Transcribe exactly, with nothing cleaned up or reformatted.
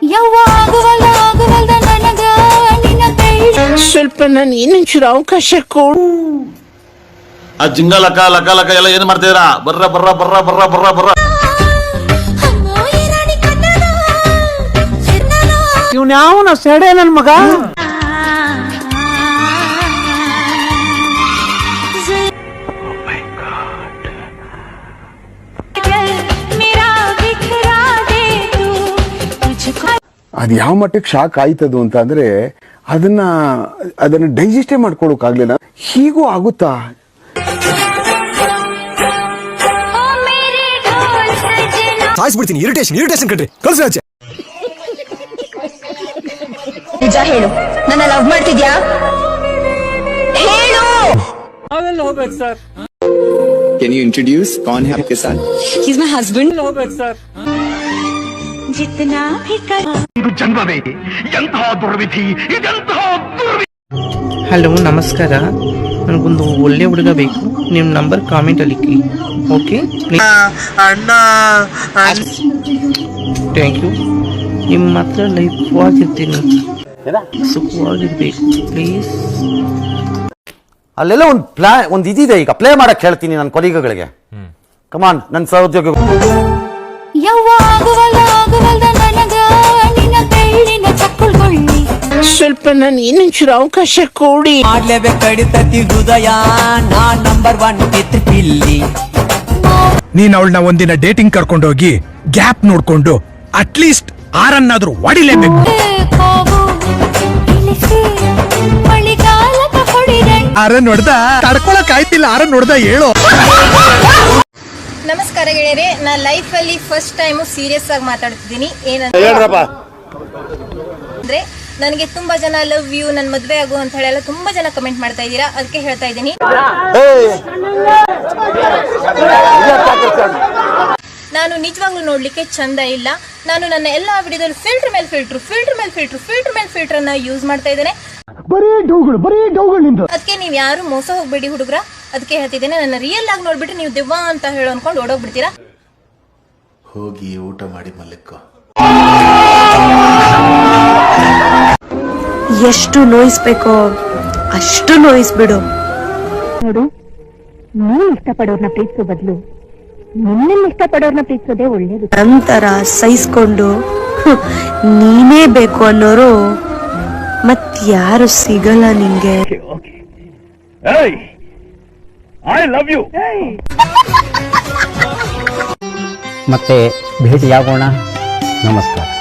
ಸ್ವಲ್ಪ ನಾನು ಇನ್ನೊಂಚೂರು ಅವಕಾಶ ಕೊಡು. ಆ ಜಿಂಗ ಲಕ ಲಕ ಲಕ ಎಲ್ಲ ಏನ್ ಮಾಡ್ತಿದ್ದೀರಾ? ಬರ್ರ ಬರ್ರ ಬರ್ರ ಬರ್ರ ಬರ್ರ ಬರ್ರ. ಇವ್ನ ಯಾವನ ಸೆಡೆ ನನ್ ಮಗ. ಅದ್ ಯಾವ ಮಟ್ಟಕ್ಕೆ ಶಾಕ್ ಆಯ್ತದು ಅಂತ ಅಂದ್ರೆ ಅದನ್ನ ಅದನ್ನ ಡೈಜೆಸ್ಟೇ ಮಾಡ್ಕೊಳಕ್ ಆಗ್ಲಿಲ್ಲ. ಹೀಗೂ ಆಗುತ್ತಾ? ಸಾಯಿಸ್ಬಿಡ್ತೀನಿ. ಇರಿಟೇಷನ್ ಇರಿಟೇಷನ್ ಕಣ್ರಿ. ಕಳ್ಸಿ ಆಚೆ. ನಿಜ ಹೇಳು, ನನ್ನ ಲವ್ ಮಾಡ್ತಿದ್ಯಾ? ಹೇಳು. ಅವೆಲ್ಲ ಹೋಗ್ಬೇಕು ಸರ್. Can you introduce कौन है आपके साथ? He's my husband. ಹೋಗ್ಬೇಕು ಸರ್. जितना भी कर ಇದು ಜನ್ಮವೇ ಎಂತಹ ದುರ್ವಿಧಿ, ಇದೆಂತಹ ದುರ್ವಿಧಿ. ಹಲೋ ನಮಸ್ಕಾರ, ನನಗೊಂದು ಒಳ್ಳೆ ಹುಡುಗ ಬೇಕು. ನಿಮ್ಮ ನಂಬರ್ ಕಾಮೆಂಟ್ ಅಲ್ಲಿ ಇಕ್ಕಿ. ಓಕೆ ಅಣ್ಣ ಥ್ಯಾಂಕ್ ಯು. ನಿಮ್ಮ ಹತ್ರ ಲೈಫ್ ಆಗಿರ್ತೀನಿ, ಸುಖವಾಗಿರ್ಬೇಕು ಪ್ಲೀಸ್. ಅಲ್ಲೆಲ್ಲ ಒಂದು ಪ್ಲಾ ಒಂದು ಇದಿದೆ, ಈಗ ಪ್ಲೇ ಮಾಡಕ್ ಹೇಳ್ತೀನಿ ನನ್ನ ಕೊಲೀಗಗಳಿಗೆ. ಕಮಾನ್ ನನ್ನ ಸಹೋದ್ಯೋಗಿ. ಸ್ವಲ್ಪ ನಾನು ಇನ್ನೊಂಚೂರು ಅವಕಾಶ ಕೊಡಿ. ಮಾಡ್ಲೇಬೇಕು ಕಡಿತತಿ ಹೃದಯ, ನಾ ನಂಬರ್ ಒನ್ ಕಿತ್ ಪಿಲ್ಲಿ. ನೀನ್ ಅವಳನ್ನ ಒಂದಿನ ಡೇಟಿಂಗ್ ಕರ್ಕೊಂಡೋಗಿ ಗ್ಯಾಪ್ ನೋಡ್ಕೊಂಡು ಅಟ್ಲೀಸ್ಟ್ ಆರನ್ನಾದ್ರೂ ಹೊಡಿಲೇಬೇಕು. ಆರನ್ ನೋಡ್ದ ತಡ್ಕೊಳಕ್ ಆಯ್ತಿಲ್ಲ, ಆರನ್ ನೋಡ್ದ ಹೇಳು. ನಮಸ್ಕಾರ ಗೆಳೆಯರೆ, ನಾ ಲೈಫ್ ಅಲ್ಲಿ ಫಸ್ಟ್ ಟೈಮ್ ಸೀರಿಯಸ್ ಆಗಿ ಮಾತಾಡ್ತಿದ್ದೀನಿ. ಏನಂದ್ರೆ ನನಗೆ ತುಂಬಾ ಜನ ಲವ್ ಯು, ನನ್ ಮದ್ವೆ ಆಗು ಅಂತ ಹೇಳಿ ತುಂಬಾ ಜನ ಕಮೆಂಟ್ ಮಾಡ್ತಾ ಇದ್ದೀರಾ. ಅದಕ್ಕೆ ಹೇಳ್ತಾ ಇದ್ದೀನಿ, ನಾನು ನಿಜವಾಗ್ಲೂ ನೋಡ್ಲಿಕ್ಕೆ ಚಂದ ಇಲ್ಲ. ನಾನು ನನ್ನ ಎಲ್ಲಾ ವಿಡಿಯೋದಲ್ಲಿ ಫಿಲ್ಟರ್ ಮೇಲೆ ಫಿಲ್ಟರ್ ಫಿಲ್ಟರ್ ಮೇಲೆ ಫಿಲ್ಟರ್ ಫಿಲ್ಟರ್ ಮೇಲೆ ಫಿಲ್ಟರ್ ಅನ್ನ ಯೂಸ್ ಮಾಡ್ತಾ ಇದ್ದೇನೆ. ಅದಕ್ಕೆ ನೀವ್ ಯಾರು ಮೋಸ ಹೋಗ್ಬೇಡಿ ಹುಡುಗ್ರ. ಅದಕ್ಕೆ ಹೇಳ್ತಿದ್ದೇನೆ, ನನ್ನ ರಿಯಲ್ ಆಗಿ ನೋಡ್ಬಿಟ್ಟು ನೀವು ದೆವ್ವ ಅಂತ ಹೇಳೋ ಅನ್ಕೊಂಡು ಓಡೋಗ್ಬಿಡ್ತೀರಾ. ಹೋಗಿ ಊಟ ಮಾಡಿ ಮಲ್ಕೋ. ಎಷ್ಟು ನೋಯಿಸ್ಬೇಕೋ ಅಷ್ಟು ನೋಯಿಸ್ಬಿಡು. ನೋಡು, ನೀನ್ ಇಷ್ಟಪಡೋರ್ನ ಪ್ರೀತಿಸೋ ಬದಲು ನಿನ್ನ ಇಷ್ಟಪಡೋರ್ನ ಪ್ರೀತಿಸೋದೇ ಒಳ್ಳೇದು. ನಂತರ ಸಹಿಸ್ಕೊಂಡು ನೀನೇ ಬೇಕು ಅನ್ನೋರು ಮತ್ಯಾರು ಸಿಗಲ್ಲ ನಿಂಗೆ. I love you. ಮತ್ತೆ ಭೇಟಿಯಾಗೋಣ. ನಮಸ್ಕಾರ.